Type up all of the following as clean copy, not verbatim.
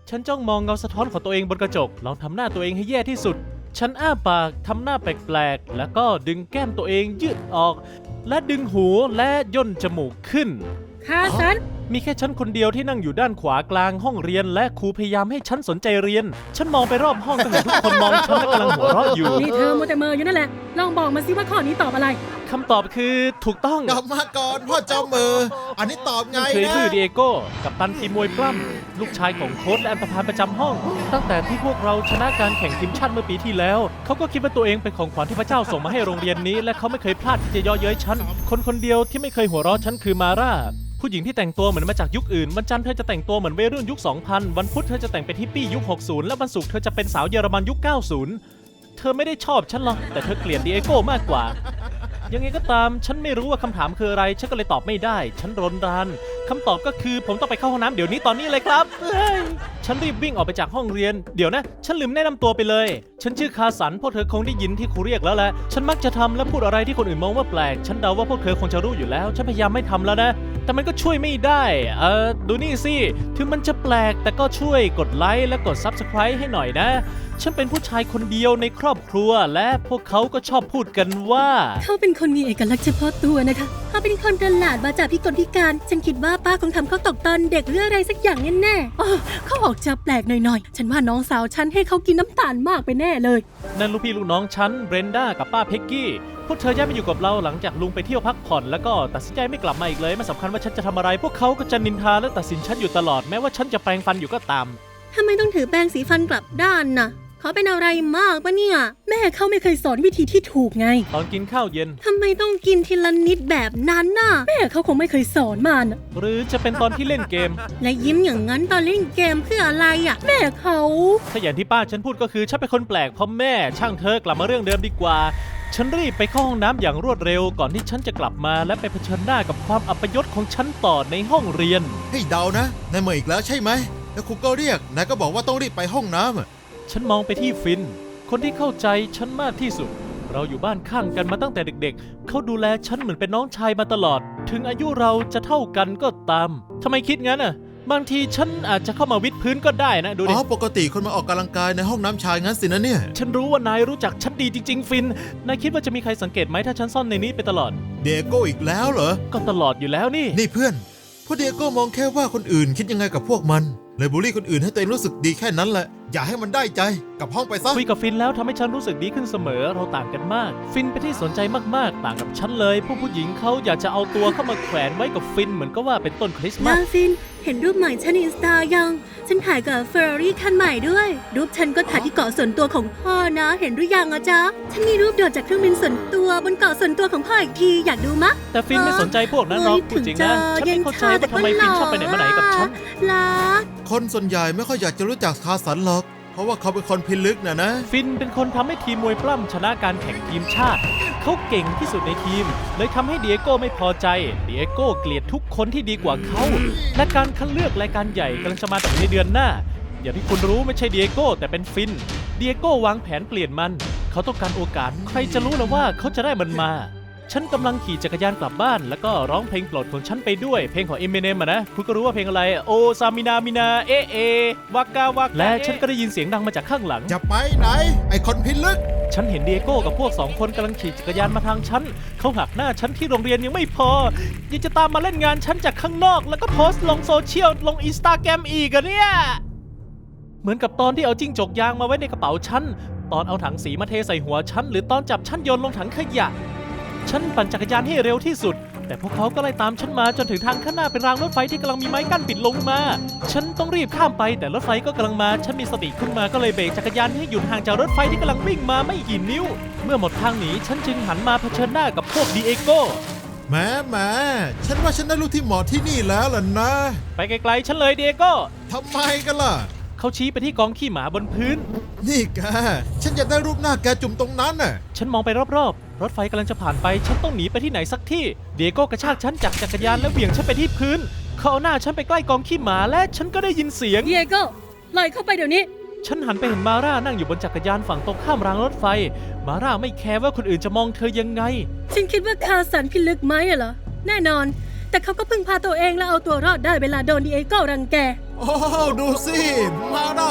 ฉันจ้องมองเงาสะท้อนของตัวเองบนกระจกลองทำหน้าตัวเองให้แย่ที่สุดฉันอ้าปากทำหน้าแปลกๆแล้วก็ดึงแก้มตัวเองยืดออกและดึงหูและย่นจมูกขึ้นคาสันมีแค่ฉันคนเดียวที่นั่งอยู่ด้านขวากลางห้องเรียนและครูพยายามให้ฉันสนใจเรียนฉันมองไปรอบห้องก็เห็นทุกคนมองฉันและกำลังหัวเราะอยู่นี่เธอมัวแต่เมออยู่นั่นแหละลองบอกมาสิว่าข้อนี้ตอบอะไรคำตอบคือถูกต้องกลับมาก่อนพ่อเจ้ามืออันนี้ตอบไงนะคือชื่อดิเอโก้กัปตันทีมมวยปล้ำลูกชายของโค้ชและอันธพาลประจำห้องตั้งแต่ที่พวกเราชนะการแข่งทีมชาติเมื่อปีที่แล้วเขาก็คิดว่าตัวเองเป็นของขวัญที่พระเจ้าส่งมาให้โรงเรียนนี้และเขาไม่เคยพลาดที่จะเย่อเย้ยฉันคนเดียวที่ไม่เคยหัวเราะฉันคือมาร่าผู้หญิงที่แต่งตัวเหมือนมาจากยุคอื่นวันจันทร์เธอจะแต่งตัวเหมือนวัยรุ่นยุค 2000 วันพุธเธอจะแต่งเป็นฮิปปี้ยุค 60 และวันศุกร์เธอจะเป็นสาวเยอรมันยุค 90 เธอไม่ได้ชอบฉันหรอกแต่เธอเกลียดดิเอโก้มากกว่ายังไงก็ตามฉันไม่รู้ว่าคำถามคืออะไรฉันก็เลยตอบไม่ได้ฉันรนรันคำตอบก็คือผมต้องไปเข้าห้องน้ำเดี๋ยวนี้ตอนนี้เลยครับฉันรีบวิ่งออกไปจากห้องเรียนเดี๋ยวนะฉันลืมแนะนำตัวไปเลยฉันชื่อคาสันพวกเธอคงได้ยินที่ครูเรียกแล้วแหละฉันมักจะทำและพูดอะไรที่คนอื่นมองว่าแปลกฉันเดาว่าพวกเธอคงจะรู้อยู่แล้วฉันพยายามไม่ทำแล้วนะแต่มันก็ช่วยไม่ได้ดูนี่สิถึงมันจะแปลกแต่ก็ช่วยกดไลค์และกด Subscribe ให้หน่อยนะฉันเป็นผู้ชายคนเดียวในครอบครัวและพวกเขาก็ชอบพูดกันว่าเขาเป็นคนมีเอกลักษณ์เฉพาะตัวนะคะเขาเป็นคนประหลาดมาจากพิกลพิการฉันคิดว่าป้าคงทำเขาตกตอนเด็กหรืออะไรสักอย่างแน่ๆเขาออกจะแปลกหน่อยๆฉันว่าน้องสาวฉันให้เขากินน้ำตาลมากไปแน่เลยนั่นลูกพี่ลูกน้องฉันเบรนด้ากับป้าเพ็กกี้พวกเธอย้ายมาอยู่กับเราหลังจากลุงไปเที่ยวพักผ่อนแล้วก็ตัดสินใจไม่กลับมาอีกเลยไม่สำคัญว่าฉันจะทำอะไรพวกเขาก็จะนินทาและตัดสินฉันอยู่ตลอดแม้ว่าฉันจะแปรงฟันอยู่ก็ตามทำไมต้องถือแปรงสีฟันกลับด้านน่ะเขาเป็นอะไรมากปะเนี่ยแม่เขาไม่เคยสอนวิธีที่ถูกไงตอนกินข้าวเย็นทำไมต้องกินทีละนิดแบบนั้นน่ะแม่เขาคงไม่เคยสอนมันหรือจะเป็นตอนที่เล่นเกมและยิ้มอย่างนั้นตอนเล่นเกมเพื่ออะไรอ่ะแม่เขาถ้าอย่างที่ป้าฉันพูดก็คือฉันเป็นคนแปลกเพราะแม่ช่างเธอกลับมาเรื่องเดิมดีกว่าฉันรีบไปเข้าห้องน้ำอย่างรวดเร็วก่อนที่ฉันจะกลับมาและไปเผชิญหน้ากับความอัปยศของฉันต่อในห้องเรียนให้เดานะนายเมื่ออีกแล้วใช่ไหมแล้วครูก็เรียกนายก็บอกว่าต้องรีบไปห้องน้ำฉันมองไปที่ฟินคนที่เข้าใจฉันมากที่สุดเราอยู่บ้านข้างกันมาตั้งแต่เด็กๆเขาดูแลฉันเหมือนเป็นน้องชายมาตลอดถึงอายุเราจะเท่ากันก็ตามทำไมคิดงั้นอ่ะบางทีฉันอาจจะเข้ามาวิดพื้นก็ได้นะดูดิปกติคนมาออกกำลังกายในห้องน้ำชายงั้นสินะเนี่ยฉันรู้ว่านายรู้จักฉันดีจริงๆฟินนายคิดว่าจะมีใครสังเกตไหมถ้าฉันซ่อนในนี้ไปตลอดเดโก้อีกแล้วเหรอก็ตลอดอยู่แล้วนี่เพื่อนพวกเดโก้มองแค่ว่าคนอื่นคิดยังไงกับพวกมันเลยบูลลี่คนอื่นให้ตัวเองรู้สึกดีแค่นั้นแหละอย่าให้มันได้ใจกลับห้องไปซะคุยกับฟินแล้วทำให้ฉันรู้สึกดีขึ้นเสมอเราต่างกันมากฟินเป็นที่สนใจมากๆต่างกับฉันเลยผู้หญิงเขาอยากจะเอาตัวเข้ามาแขวนไว้กับฟินเหมือนก็ว่าเป็นต้นคริสต์มาสฟินเห็นรูปใหม่ฉันในอินสตายังฉันถ่ายกับเฟอร์รารี่คันใหม่ด้วยรูปฉันก็ถ่ายที่เกาะส่วนตัวของพ่อนะเห็นหรือยังอะจ๊ะฉันมีรูปโดดจากเครื่องบินส่วนตัวบนเกาะส่วนตัวของพ่ออีกทีอยากดูมะแต่ฟินไม่สนใจพวกนั้นหรอกพูดจริงนะฉันไม่เข้าใจว่าทำไมฟินชอบไปไหนมาไหนกับฉันคนส่วนใหญ่ไม่ค่อยอยากจะรู้จักคาสันหรอกเพราะว่าเขาเป็นคนพิลึกนะฟินเป็นคนทำให้ทีมมวยปล้ำชนะการแข่งทีมชาติเขาเก่งที่สุดในทีมเลยทำให้ดิเอโก้ไม่พอใจดิเอโก้เกลียดทุกคนที่ดีกว่าเขาและการคัดเลือกรายการใหญ่กำลังจะมาถึงในเดือนหน้าอย่างที่คุณรู้ไม่ใช่ดิเอโก้แต่เป็นฟินดิเอโก้วางแผนเปลี่ยนมันเขาต้องการโอกาสใครจะรู้ล่ะว่าเขาจะได้มันมาฉันกำลังขี่จักรยานกลับบ้านแล้วก็ร้องเพลงโปรดของฉันไปด้วยเพลงของเอมิเนมนะคุณก็รู้ว่าเพลงอะไรโอซามินามินาเอวากาวากและฉันก็ได้ยินเสียงดังมาจากข้างหลังจะไปไหนไอคนพิลึกฉันเห็นดิเอโก้กับพวก2คนกำลังขี่จักรยานมาทางฉันเขาหักหน้าฉันที่โรงเรียนยังไม่พอยังจะตามมาเล่นงานฉันจากข้างนอกแล้วก็โพสต์ลงโซเชียลลงอินสตาแกรมอีกอะเนี่ยเหมือนกับตอนที่เอาจิ้งจกยางมาไว้ในกระเป๋าฉันตอนเอาถังสีมาเทใส่หัวฉันหรือตอนจับฉันโยนลงถังขยะฉันปั่นจักรยานให้เร็วที่สุดแต่พวกเขาก็ไล่ตามฉันมาจนถึงทางข้างหน้าเป็นรางรถไฟที่กำลังมีไม้กั้นปิดลงมาฉันต้องรีบข้ามไปแต่รถไฟก็กำลังมาฉันมีสติขึ้นมาก็เลยเบรกจักรยานให้หยุดห่างจากรถไฟที่กำลังวิ่งมาไม่กี่นิ้วเมื่อหมดทางหนีฉันจึงหันมาเผชิญหน้ากับพวกดิเอโก้แหมฉันว่าฉันได้ลูกที่เหมาะที่นี่แล้วล่ะนะไปไกลๆฉันเลยดิเอโก้ทำไมกันล่ะเขาชี้ไปที่กองขี้หมาบนพื้นนี่แกฉันอยากได้รูปหน้าแกจุ่มตรงนั้นน่ะฉันมองไปรอบๆรถไฟกำลังจะผ่านไปฉันต้องหนีไปที่ไหนสักที่ดิเอโก้กระชากฉันจากจักรยานและเหวี่ยงฉันไปที่พื้นเขาเอาหน้าฉันไปใกล้กองขี้หมาและฉันก็ได้ยินเสียงดิเอโก้ลอยเข้าไปเดี๋ยวนี้ฉันหันไปเห็นมาร่านั่งอยู่บนจักรยานฝั่งตรงข้ามรางรถไฟมาร่าไม่แคร์ว่าคนอื่นจะมองเธอยังไงฉันคิดว่าคาสันพิลึกไหมเหรอแน่นอนแต่เขาก็พึ่งพาตัวเองและเอาตัวรอดได้เวลาโดนดิเอโก้รังแกโอ้ดูสิมา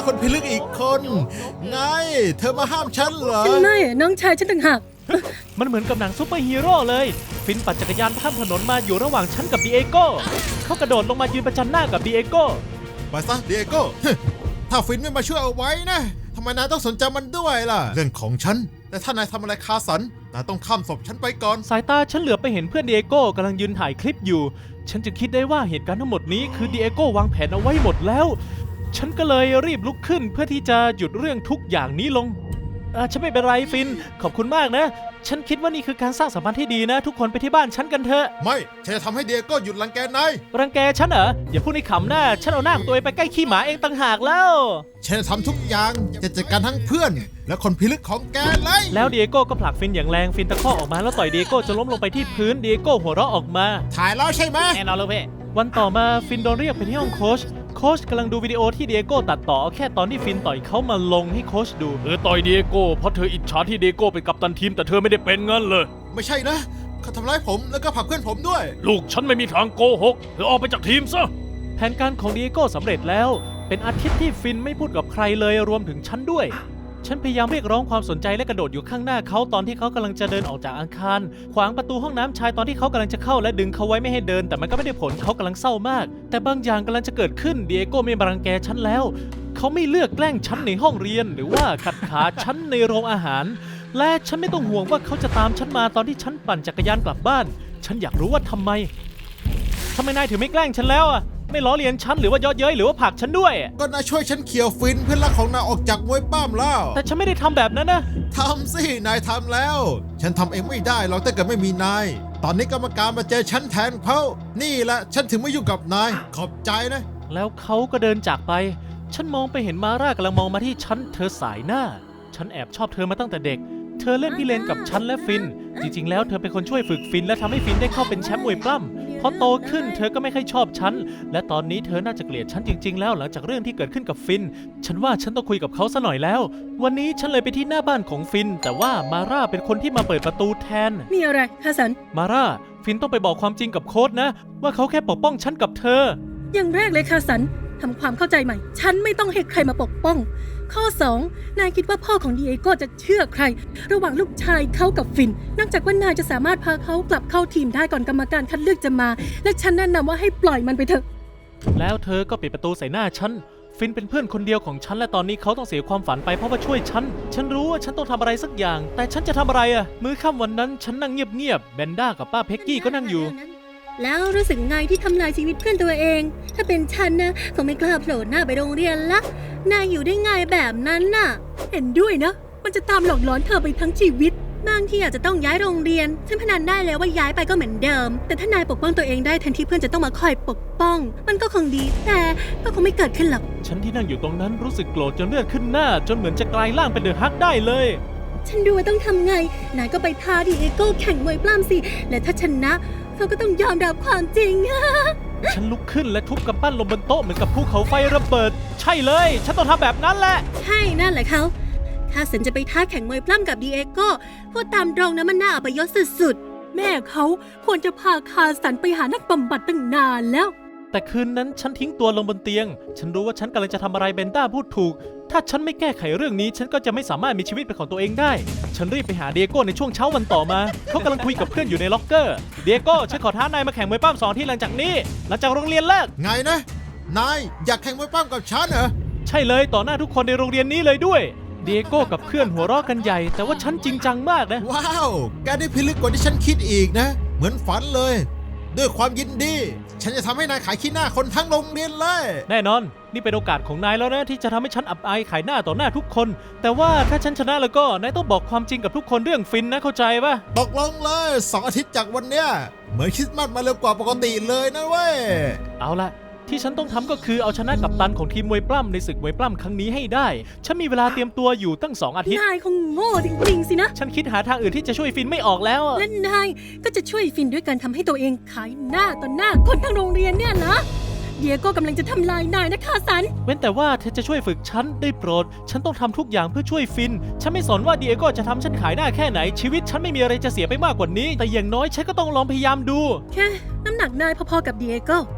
คนพิลึกอีกคน ไง เธอมาห้ามฉันเหรอฉันไม่อะน้องชายฉันต่างหากมันเหมือนกับหนังซูเปอร์ฮีโร่เลย ฟินปั่นจักรยานข้ามถนนมาอยู่ระหว่างฉันกับดีเอโก้เขากระโดดลงมายืนประจันหน้ากับดีเอโก้ไปซะเดียโก้ ถ้าฟินไม่มาช่วยเอาไว้นะทำไมนายต้องสนใจมันด้วยล่ะ เรื่องของฉัน แต่ถ้านายทำอะไรคาสันนายต้องข้ามศพฉันไปก่อนสายตาฉันเหลือบไปเห็นเพื่อนดีเอโก้กำลังยืนถ่ายคลิปอยู่ ฉันจึงคิดได้ว่าเหตุการณ์ทั้งหมดนี้คือดีเอโก้วางแผนเอาไว้หมดแล้ว ฉันก็เลยรีบลุกขึ้นเพื่อที่จะหยุดเรื่องทุกอย่างนี้ลงฉันไม่เป็นไรฟินขอบคุณมากนะ ฉันคิดว่านี่คือการสร้างสัมพันธ์ที่ดีนะ ทุกคนไปที่บ้านฉันกันเถอะไม่ฉันจะทำให้เดียโก้หยุดรังแกนายรังแกฉันเหรออย่าพูดในขำหน้าฉันเอาหน้าของตัวเองไปใกล้ขี้หมาเองต่างหากแล้วฉันจะทำทุกอย่างจะจัดการทั้งเพื่อน และคนพิลึกของแกเลยแล้วดีเอโก้ก็ผลักฟินอย่างแรงฟินตะคอกออกมาแล้วต่อยดีเอโก้จนล้มลงไปที่พื้นดีเอโก้หัวเราะออกมาถ่ายแล้วใช่ไหมแน่นอนเลยเพ่วันต่อมาฟินโดนเรียกไปที่ห้องโค้ชกำลังดูวิดีโอที่ดีเอโก้ตัดต่อเอาแค่ตอนที่ฟินต่อยเขามาลงให้โค้ชดูต่อยดีเอโก้เพราะเธออิจฉาที่ดีเอโก้เป็นกัปตันทีมแต่เธอไม่ได้เป็นงั้นเลยไม่ใช่นะเขาทำร้ายผมแล้วก็ผลักเพื่อนผมด้วยลูกฉันไม่มีทางโกหกเธอออกไปจากทีมซะแผนการของดีเอโก้สำเร็จแล้วเป็นอาทิตย์ที่ฟินไม่พูดกับใครเลยรวมถึงฉันด้วยฉันพยายามเรียกร้องความสนใจและกระโดดอยู่ข้างหน้าเขาตอนที่เขากำลังจะเดินออกจากอาคารขวางประตูห้องน้ำชายตอนที่เขากำลังจะเข้าและดึงเขาไว้ไม่ให้เดินแต่มันก็ไม่ได้ผลเขากำลังเศร้ามากแต่บางอย่างกำลังจะเกิดขึ้นดีเอโก้ไม่มารังแกฉันแล้วเขาไม่เลือกแกล้งฉันในห้องเรียนหรือว่าขัดขาฉันในโรงอาหารและฉันไม่ต้องห่วงว่าเขาจะตามฉันมาตอนที่ฉันปั่นจักรยานกลับบ้านฉันอยากรู้ว่าทำไมนายถึงไม่แกล้งฉันแล้วอะไม่ล้อเลียนฉันหรือว่าเยาะเย้ยหรือว่าผลักฉันด้วยก็นายช่วยฉันเขี่ยวฟินเพื่อนรักของนายออกจากมวยป้ามแล้วแต่ฉันไม่ได้ทำแบบนั้นนะทำสินายทำแล้ว ฉันทำเองไม่ได้หรอกถ้าเกิดไม่มีนายตอนนี้กรรมการมาเจอฉันแทนเขานี่แหละฉันถึงไม่ยุ่งกับนายขอบใจนะแล้วเขาก็เดินจากไปฉันมองไปเห็นมาร่ากำลังมองมาที่ฉันเธอสายหน้าฉันแอบชอบเธอมาตั้งแต่เด็กเธอเล่นพี่เลนกับฉันและฟินจริงๆแล้วเธอเป็นคนช่วยฝึกฟินและทำให้ฟินได้เข้าเป็นแชมป์มวยปล้ำพอโตขึ้นเธอก็ไม่ค่อยชอบฉันและตอนนี้เธอน่าจะเกลียดฉันจริงๆแล้วหลังจากเรื่องที่เกิดขึ้นกับฟินฉันว่าฉันต้องคุยกับเขาซะหน่อยแล้ววันนี้ฉันเลยไปที่หน้าบ้านของฟินแต่ว่ามาร่าเป็นคนที่มาเปิดประตูแทนมีอะไรคาสันมาร่าฟินต้องไปบอกความจริงกับโค้ชนะว่าเขาแค่ปกป้องฉันกับเธออย่างแรกเลยคาสันทำความเข้าใจใหม่ฉันไม่ต้องให้ใครมาปกป้องข้อ 2 นายคิดว่าพ่อของดีเอโก้จะเชื่อใครระหว่างลูกชายเขากับฟินนอกจากว่านายจะสามารถพาเขากลับเข้าทีมได้ก่อนกรรมการคัดเลือกจะมาและฉันแนะนำว่าให้ปล่อยมันไปเถอะแล้วเธอก็ปิดประตูใส่หน้าฉันฟินเป็นเพื่อนคนเดียวของฉันและตอนนี้เขาต้องเสียความฝันไปเพราะว่าช่วยฉันรู้ว่าฉันต้องทำอะไรสักอย่างแต่ฉันจะทำอะไรอะมื้อค่ำวันนั้นฉันนั่งเงียบๆแบนด้ากับป้าเพ็กกี้ก็นั่งอยู่แล้วรู้สึกไงที่ทำลายชีวิตเพื่อนตัวเอง ถ้าเป็นฉันนะคงไม่กล้าโผล่หน้าไปโรงเรียนละนายอยู่ได้ไงแบบนั้นน่ะ เห็นด้วยนะ มันจะตามหลอกหลอนเธอไปทั้งชีวิตบางทีอาจจะต้องย้ายโรงเรียนฉันพนันได้แล้วว่าย้ายไปก็เหมือนเดิมแต่ถ้านายปกป้องตัวเองได้แทนที่เพื่อนจะต้องมาคอยปกป้อง มันก็คงดีแต่ก็คงไม่เกิดขึ้นหรอกฉันที่นั่งอยู่ตรงนั้นรู้สึกโกรธจนเลือดขึ้นหน้าจนเหมือนจะกลายร่างเป็นเดอะฮักได้เลยฉันดูว่าต้องทำไงนายก็ไปท้าดีเอโก้แข่งมวยปล้ำสิและถ้าชนะเขาก็ต้องยอมรับความจริงฉันลุกขึ้นและทุบกำปั้นลงบนโต๊ะเหมือนกับภูเขาไฟระเบิดใช่เลยฉันต้องทำแบบนั้นแหละใช่นั่นแหละเขาถ้าสันจะไปท้าแข่งมวยปล้ำกับดีเอโก้พูดตามตรงนะมันน่าอัปยศสุดๆแม่เขาควรจะพาคาสันไปหานักบำบัดตั้งนานแล้วแต่คืนนั้นฉันทิ้งตัวลงบนเตียงฉันรู้ว่าฉันกำลังจะทำอะไรเบนด้าพูดถูกถ้าฉันไม่แก้ไขเรื่องนี้ฉันก็จะไม่สามารถมีชีวิตเป็นของตัวเองได้ฉันรีบไปหาเดียโก้ในช่วงเช้าวันต่อมาเขากำลังคุยกับเพื่อนอยู่ในล็อกเกอร์เดียโก้ฉันขอท้านายมาแข่งมวยปล้ำ2 ที่หลังจากนี้หลังจากโรงเรียนเลิกไงนะนายอยากแข่งมวยป้ามกับฉันเหรอใช่เลยต่อหน้าทุกคนในโรงเรียนนี้เลยด้วยเดียโก้กับเพื่อนหัวเราะกันใหญ่แต่ว่าฉันจริงจังมากนะว้าวแกได้พิลึกกว่าที่ฉันคิดอีกนะเหมือนฝันเลยด้วยความยินดีฉันจะทำให้นายขายขี้หน้าคนทั้งโรงเรียนเลยแน่นอนนี่เป็นโอกาสของนายแล้วนะที่จะทำให้ฉันอับอายขายหน้าต่อหน้าทุกคนแต่ว่าถ้าฉันชนะแล้วก็นายต้องบอกความจริงกับทุกคนเรื่องฟินนะเข้าใจปะตกลงเลย2 อาทิตย์จากวันเนี้ยเหมือนคริสต์มาสมาเร็วกว่าปกติเลยนะเว้ยเอาละที่ฉันต้องทำก็คือเอาชนะกัปตันของทีมมวยปล้ำในศึกมวยปล้ำครั้งนี้ให้ได้ฉันมีเวลาเตรียมตัวอยู่ตั้ง2 อาทิตย์นายคงโง่จริงๆสินะฉันคิดหาทางอื่นที่จะช่วยฟินไม่ออกแล้วและนายก็จะช่วยฟินด้วยการทำให้ตัวเองขายหน้าต่อหน้าคนทั้งโรงเรียนเนี่ยนะเดียโก้กำลังจะทำลายนายนะคาสันเว้นแต่ว่าเธอจะช่วยฝึกฉันได้โปรดฉันต้องทำทุกอย่างเพื่อช่วยฟินฉันไม่สนว่าเดียโก้จะทำฉันขายหน้าแค่ไหนชีวิตฉันไม่มีอะไรจะเสียไปมากกว่านี้แต่อย่างน้อยฉันก็ต้องลองพยายามดูแค่น้ำหนักนายพอๆกับเดียโก้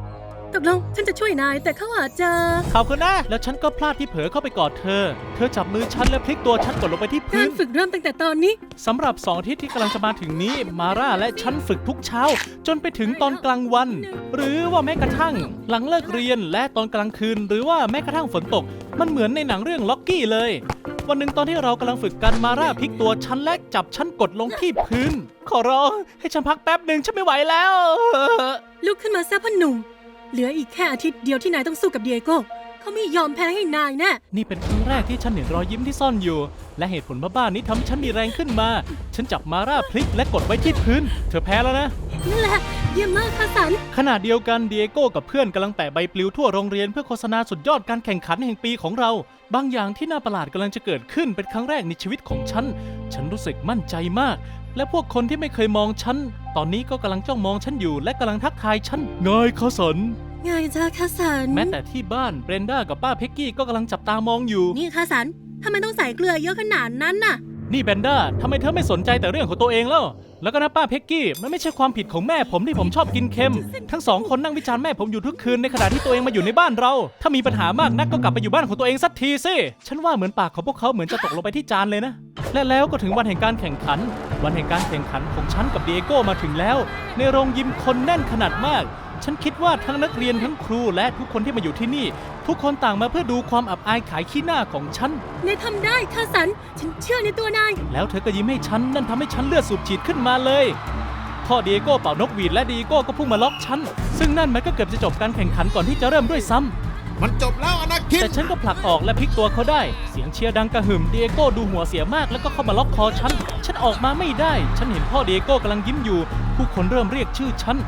ตกลงฉันจะช่วยนายแต่เขาอาจจะขอบคุณนะ แล้วฉันก็พลาดที่เผลอเข้าไปกอดเธอ เธอจับมือฉันและพลิกตัวฉันกดลงไปที่กาพื้รนฝึกเริ่มตั้งแต่ตอนนี้สำหรับ2 อาทิตย์ที่กำลังจะมาถึงนี้ มาร่าและฉันฝึกทุกเช้า จนไปถึงตอนกลางวัน หรือว่าแม้กระทั่ง หลังเลิกเรียนและตอนกลางคืน หรือว่าแม้กระทั่งฝนตก มันเหมือนในหนังเรื่องล็อกกี้เลย วันหนึ่งตอนที่เรากำลังฝึกกันมาร่าพลิกตัวฉันและจับฉันกดลงที่พื้น ขอร้องให้ฉันพักแป๊บหนึ่งฉันไม่ไหวแล้วลุกขึ้นมาซะพ่อหนุ่ม เหลืออีกแค่อาทิตย์เดียวที่นายต้องสู้กับเดียโก้เขาไม่ยอมแพ้ให้นายแน่นี่เป็นครั้งแรกที่ฉันเห็นรอยยิ้มที่ซ่อนอยู่ และเหตุผลบ้าๆนี้ทำให้ฉันมีแรงขึ้นมา ฉันจับมาร่าพลิกและกดไว้ที่พื้น เธอแพ้แล้วนะนั่นแหละเยี่ยมมากค่ะสันขณะเดียวกันเดียโก้กับเพื่อนกำลังแปะใบปลิวทั่วโรงเรียนเพื่อโฆษณาสุดยอดการแข่งขันแห่งปีของเรา บางอย่างที่น่าประหลาดกำลังจะเกิดขึ้นเป็นครั้งแรกในชีวิตของฉัน ฉันรู้สึกมั่นใจมาก และพวกคนที่ไม่เคยมองฉัน ตอนนี้ก็กำลังจ้องมองฉันอยู่และกำลังทักทายฉันไงคะสันไงจ้าค่ะสันแม้แต่ที่บ้านเบรนด้ากับป้าเพ็กกี้ก็กำลังจับตามองอยู่นี่ค่ะสันทำไมต้องใส่เกลือเยอะขนาดนั้นน่ะนี่แบนด้าทำไมเธอไม่สนใจแต่เรื่องของตัวเองแล้ว แล้วก็นะป้าเพ็กกี้ มันไม่ใช่ความผิดของแม่ผมที่ผมชอบกินเค็ม ทั้งสองคนนั่งวิจารณ์แม่ผมอยู่ทุกคืนในขณะที่ตัวเองมาอยู่ในบ้านเรา ถ้ามีปัญหามากนักก็กลับไปอยู่บ้านของตัวเองสักทีสิ ฉันว่าเหมือนปากของพวกเขาเหมือนจะตกลงไปที่จานเลยนะ และแล้วก็ถึงวันแห่งการแข่งขัน วันแห่งการแข่งขันของฉันกับเดียโก้มาถึงแล้ว ในโรงยิมคนแน่นขนาดมาก ฉันคิดว่าทั้งนักเรียนทั้งครูและทุกคนที่มาอยู่ที่นี่ ทุกคนต่างมาเพื่อดูความอับอายขายขี้หน้าของฉันนายทำได้ค่ะสัน ฉันเชื่อในตัวนายแล้วเธอก็ยิ้มให้ฉัน นั่นทำให้ฉันเลือดสูบฉีดขึ้นมาเลย พ่อเดียโก้เป่านกหวีดและเดียโก้ก็พุ่งมาล็อกฉัน ซึ่งนั่นมันก็เกือบจะจบการแข่งขันก่อนที่จะเริ่มด้วยซ้ำมันจบแล้วอนาคินแต่ฉันก็ผลักออกและพลิกตัวเขาได้ เสียงเชียร์ดังกระหึ่มเดียโก้ดูหัวเสียมากแล้วก็เข้ามาล็อกคอฉัน ฉันออกมาไม่ได้ ฉันเห็นพ่อเดียโก้กำลังยิ้มอยู่ ผู้คนเริ่มเรียกชื่อฉัน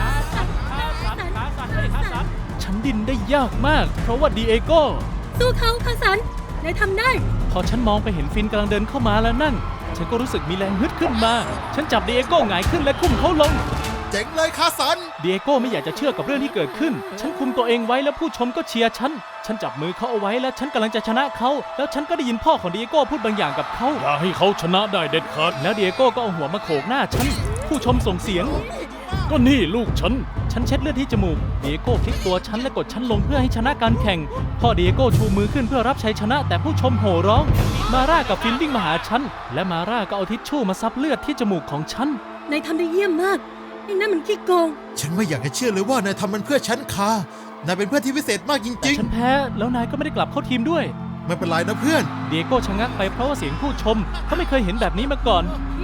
ฉันดิ้นได้ยากมาก เพราะว่าเดียโก้สู้เขาค่ะสัน นายทำได้พอฉันมองไปเห็นฟินกำลังเดินเข้ามาแล้วนั่น ฉันก็รู้สึกมีแรงฮึดขึ้นมา ฉันจับเดียโก้หงายขึ้นและคุ้มเขาลงเจ๋งเลยคาสันเดียโก้ไม่อยากจะเชื่อกับเรื่องที่เกิดขึ้น ฉันคุมตัวเองไว้แล้วผู้ชมก็เชียร์ฉัน ฉันจับมือเขาเอาไว้และฉันกำลังจะชนะเขา แล้วฉันก็ได้ยินพ่อของเดียโก้พูดบางอย่างกับเขาอย่าให้เขาชนะได้เด็ดขาดแล้วเดียโก้ก็เอาหัวมาโขกหน้าฉัน ผู้ชมส่งเสียงก็นี่ลูกฉันฉันเช็ดเลือดที่จมูก เดียโก้พลิกตัวฉันและกดฉันลงเพื่อให้ชนะการแข่ง พ่อเดียโก้ชูมือขึ้นเพื่อรับชัยชนะ แต่ผู้ชมโห่ร้อง มาร่ากับฟินวิ่งมาหาฉัน และมาร่าก็เอาทิชชู่มาซับเลือดที่จมูกของฉันนายทำได้เยี่ยมมากไอ้นั่นมันขี้โกงฉันไม่อยากจะเชื่อเลยว่านายทำมันเพื่อฉันคานายเป็นเพื่อนที่พิเศษมากจแต่ริงฉันแพ้แล้วนายก็ไม่ได้กลับเข้าทีมด้วยๆ ไม่เป็นไรนะเพื่อนเดียโก้ชะงักไปเพราะว่าเสียงผู้ชม เขาไม่เคยเห็นแบบนี้มาก่อน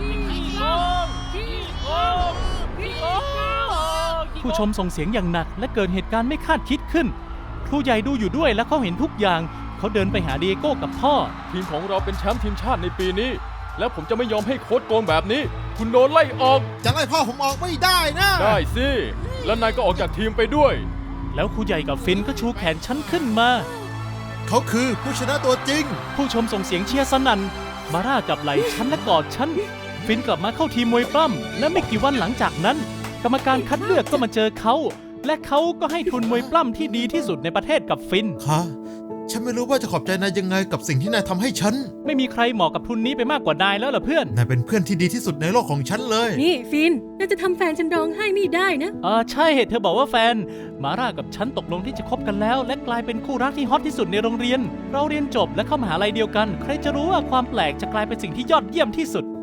ผู้ชมส่งเสียงอย่างหนักและเกิดเหตุการณ์ไม่คาดคิดขึ้น ครูใหญ่ดูอยู่ด้วยและเขาเห็นทุกอย่าง เขาเดินไปหาเดียโก้กับพ่อทีมของเราเป็นแชมป์ทีมชาติในปีนี้ แล้วผมจะไม่ยอมให้โค้ชโกงแบบนี้ คุณโดนไล่ออกจะไล่พ่อผมออกไม่ได้นะได้สิ แล้วนายก็ออกจากทีมไปด้วยแล้วครูใหญ่กับฟินก็ชูแขนฉันขึ้นมาเขาคือผู้ชนะตัวจริงผู้ชมส่งเสียงเชียร์สนั่น มาร่าจับไหล่ฉันและกอดฉัน ฟินกลับมาเข้าทีมมวยปล้ำและไม่กี่วันหลังจากนั้น กรรมการคัดเลือกก็มาเจอเขา และเขาก็ให้ทุนมวยปล้ำที่ดีที่สุดในประเทศกับฟินค่ะ ฉันไม่รู้ว่าจะขอบใจนายยังไงกับสิ่งที่นายทำให้ฉันไม่มีใครเหมาะกับทุนนี้ไปมากกว่านายแล้วล่ะเพื่อนนายเป็นเพื่อนที่ดีที่สุดในโลกของฉันเลยนี่ฟินน่าจะทำแฟนฉันร้องไห้ไม่ได้นะใช่เธอบอกว่าแฟน มาร่ากับฉันตกลงที่จะคบกันแล้ว และกลายเป็นคู่รักที่ฮอตที่สุดในโรงเรียน เราเรียนจบและเข้ามหาลัยเดียวกัน ใครจะรู้ว่าความแปลกจะกลายเป็นสิ่งที่ยอดเยี่ยมที่สุด